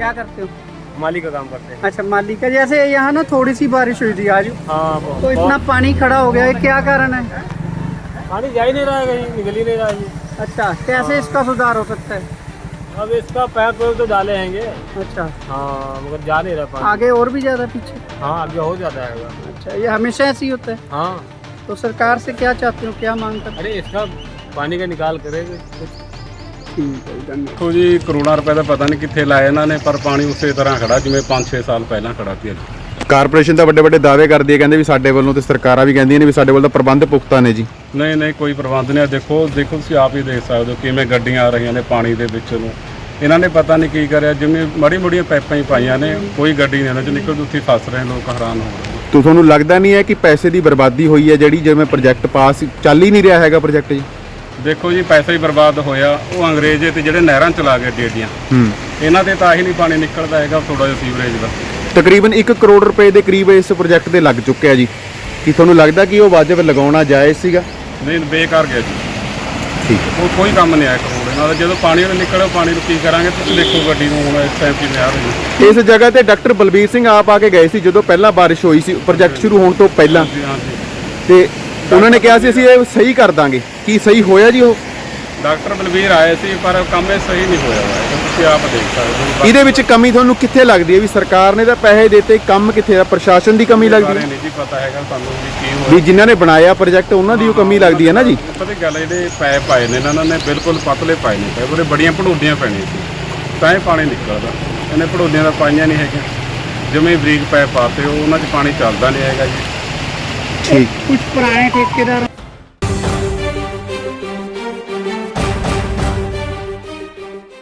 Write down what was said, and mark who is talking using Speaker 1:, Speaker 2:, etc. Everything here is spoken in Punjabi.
Speaker 1: क्या करते हो?
Speaker 2: माली का काम करते हैं।
Speaker 1: अच्छा, माली का। जैसे यहाँ ना थोड़ी सी बारिश हुई थी आज,
Speaker 2: हाँ,
Speaker 1: तो इतना पानी खड़ा हो गया है, क्या कारण है?
Speaker 2: पानी जा ही नहीं रहा है, कहीं निकल ही नहीं रहा है ये।
Speaker 1: अच्छा, कैसे इसका सुधार हो सकता है?
Speaker 2: अब इसका पैप तो डाले हैंगे।
Speaker 1: अच्छा,
Speaker 2: हाँ, मगर जा नहीं रहा पानी।
Speaker 1: आगे और भी ज्यादा पीछे?
Speaker 2: हाँ, आगे हो जाता है।
Speaker 1: अच्छा, ये हमेशा ऐसे ही होता है?
Speaker 2: हाँ,
Speaker 1: तो सरकार से क्या चाहते हो, क्या मांग करते
Speaker 2: अरे इसका पानी का निकाल करेंगे कुछ।
Speaker 1: हो? ठीक है, धन्यवाद।
Speaker 3: ਦੇਖੋ ਜੀ ਕਰੋੜਾਂ ਰੁਪਏ ਦਾ ਪਤਾ ਨਹੀਂ ਕਿੱਥੇ ਲਾਇਆ ਇਹਨਾਂ ਨੇ, ਪਰ ਪਾਣੀ ਉਸੇ ਤਰ੍ਹਾਂ ਖੜਾ ਜਿਵੇਂ 5-6 ਸਾਲ ਪਹਿਲਾਂ ਖੜਾ ਸੀ।
Speaker 4: ਕਾਰਪੋਰੇਸ਼ਨ ਤਾਂ ਵੱਡੇ ਵੱਡੇ ਦਾਅਵੇ ਕਰਦੀ ਹੈ, ਕਹਿੰਦੇ ਵੀ ਸਾਡੇ ਵੱਲੋਂ, ਤੇ ਸਰਕਾਰਾਂ ਵੀ ਕਹਿੰਦੀਆਂ ਨੇ ਵੀ ਸਾਡੇ ਵੱਲ ਤਾਂ ਪ੍ਰਬੰਧ ਪੁਖਤਾ ਨੇ ਜੀ।
Speaker 3: ਨਹੀਂ ਨਹੀਂ, ਕੋਈ ਪ੍ਰਬੰਧ ਨਹੀਂ। ਦੇਖੋ ਤੁਸੀਂ ਆਪ ਹੀ ਦੇਖ ਸਕਦੇ ਹੋ ਕਿਵੇਂ ਗੱਡੀਆਂ ਆ ਰਹੀਆਂ ਨੇ ਪਾਣੀ ਦੇ ਵਿੱਚ ਨੂੰ। ਇਹਨਾਂ ਨੇ ਪਤਾ ਨਹੀਂ ਕੀ ਕਰਿਆ, ਜਿਵੇਂ ਮਾੜੀ ਮੋੜੀਆਂ ਪਾਈਪਾਂ ਹੀ ਪਾਈਆਂ ਨੇ, ਕੋਈ ਗੱਡੀ ਨਹੀਂ ਇਹਨਾਂ 'ਚ ਨਿਕਲਦੀ, ਉੱਥੇ ਫਸ ਰਹੇ ਲੋਕ, ਹੈਰਾਨ ਹੋ ਰਹੇ।
Speaker 4: ਤੋ ਤੁਹਾਨੂੰ ਲੱਗਦਾ ਨਹੀਂ ਹੈ ਕਿ ਪੈਸੇ ਦੀ ਬਰਬਾਦੀ ਹੋਈ ਹੈ ਜਿਹੜੀ, ਜਿਵੇਂ ਪ੍ਰੋਜੈਕਟ ਪਾਸ ਚੱਲ ਹੀ ਨਹੀਂ ਰਿਹਾ ਹੈਗਾ ਪ੍ਰੋਜੈਕਟ ਜੀ?
Speaker 3: ਦੇਖੋ ਜੀ ਪੈਸਾ ਹੀ ਬਰਬਾਦ ਹੋਇਆ। ਉਹ ਅੰਗਰੇਜ਼ੇ ਤੇ ਜਿਹੜੇ ਨਹਿਰਾਂ ਚਲਾ ਗਏ ਏਡੀਆਂ, ਇਹਨਾਂ ਤੇ ਤਾਂ ਹੀ ਨਹੀਂ ਪਾਣੀ ਨਿਕਲਦਾ ਹੈਗਾ, ਥੋੜਾ ਜਿਹਾ ਸੀਵਰੇਜ ਦਾ।
Speaker 4: ਤਕਰੀਬਨ 1 ਕਰੋੜ ਰੁਪਏ ਦੇ ਕਰੀਬ ਇਸ ਪ੍ਰੋਜੈਕਟ ਤੇ ਲੱਗ ਚੁੱਕਿਆ ਜੀ। ਕੀ ਤੁਹਾਨੂੰ ਲੱਗਦਾ ਕਿ ਉਹ ਵਾਜਬ ਲਗਾਉਣਾ ਜਾਇਜ਼ ਸੀਗਾ?
Speaker 3: ਨਹੀਂ, ਬੇਕਾਰ ਗਿਆ ਜੀ।
Speaker 4: ਠੀਕ ਹੈ।
Speaker 3: ਉਹ ਕੋਈ ਕੰਮ ਨਹੀਂ ਆਇਆ ਕਰੋੜ ਇਹਨਾਂ ਦਾ। ਜਦੋਂ ਪਾਣੀ ਉਹ ਨਿਕਲਿਆ, ਪਾਣੀ ਨੂੰ ਕੀ ਕਰਾਂਗੇ? ਤੁਸੀਂ ਦੇਖੋ ਗੱਡੀ ਨੂੰ ਹੁਣ ਇਸ ਟਾਈਮ ਕਿਵੇਂ ਆ ਰਹੀ ਹੈ।
Speaker 4: ਇਸ ਜਗ੍ਹਾ ਤੇ ਡਾਕਟਰ ਬਲਬੀਰ ਸਿੰਘ ਆਪ ਆ ਕੇ ਗਏ ਸੀ ਜਦੋਂ ਪਹਿਲਾਂ ਬਾਰਿਸ਼ ਹੋਈ ਸੀ ਪ੍ਰੋਜੈਕਟ ਸ਼ੁਰੂ ਹੋਣ ਤੋਂ ਪਹਿਲਾਂ,
Speaker 3: ਹਾਂਜੀ,
Speaker 4: ਤੇ ਉਹਨਾਂ ਨੇ ਕਿਹਾ ਸੀ ਅਸੀਂ ਇਹ ਸਹੀ ਕਰ ਦਾਂਗੇ। ਕੀ ਸਹੀ ਹੋਇਆ ਜੀ ਉਹ?
Speaker 3: ਡਾਕਟਰ ਬਲਬੀਰ ਆਏ ਸੀ, ਪਰ ਕੰਮ ਇਹ ਸਹੀ ਨਹੀਂ ਹੋਇਆ ਹੋਇਆ। ਤੁਸੀਂ ਆਪ ਦੇਖ ਸਕਦੇ ਹੋ।
Speaker 4: ਇਹਦੇ ਵਿੱਚ ਕਮੀ ਤੁਹਾਨੂੰ ਕਿੱਥੇ ਲੱਗਦੀ ਹੈ? ਵੀ ਸਰਕਾਰ ਨੇ ਤਾਂ ਪੈਸੇ ਦਿੱਤੇ, ਕੰਮ ਕਿੱਥੇ ਆ? ਪ੍ਰਸ਼ਾਸਨ ਦੀ ਕਮੀ ਲੱਗਦੀ
Speaker 3: ਬਾਰੇ
Speaker 4: ਹੈ
Speaker 3: ਨਹੀਂ ਜੀ ਪਤਾ ਹੈਗਾ ਸਾਨੂੰ ਵੀ ਕੀ
Speaker 4: ਵੀ
Speaker 3: ਹੋਇਆ।
Speaker 4: ਜਿਨ੍ਹਾਂ ਨੇ ਬਣਾਇਆ ਪ੍ਰੋਜੈਕਟ ਉਹਨਾਂ ਦੀ ਉਹ ਕਮੀ ਲੱਗਦੀ ਹੈ ਨਾ ਜੀ।
Speaker 3: ਪਤਾ ਕੀ ਗੱਲ ਹੈ, ਜਿਹੜੇ ਪੈਪ ਪਾਏ ਨੇ ਇਹਨਾਂ ਨੇ ਬਿਲਕੁਲ ਪਤਲੇ ਪਾਏ ਨੇ ਪੈਪ, ਉਹਦੇ ਬੜੀਆਂ ਭੜੋਡੀਆਂ ਪੈਣੀਆਂ ਸੀ ਤਾਂ ਇਹ ਪਾਣੀ ਨਿਕਲਦਾ। ਇਹਨੇ ਭੜੋਡੀਆਂ ਤਾਂ ਪਾਈਆਂ ਨਹੀਂ ਹੈਗੀਆਂ, ਜਿਵੇਂ ਬਰੀਕ ਪੈਪ ਪਾਤੇ ਉਹਨਾਂ 'ਚ ਪਾਣੀ ਚੱਲਦਾ ਨਹੀਂ ਹੈਗਾ ਜੀ।
Speaker 4: ਠੀਕ।
Speaker 1: कुछ पुराने ठेकेदारों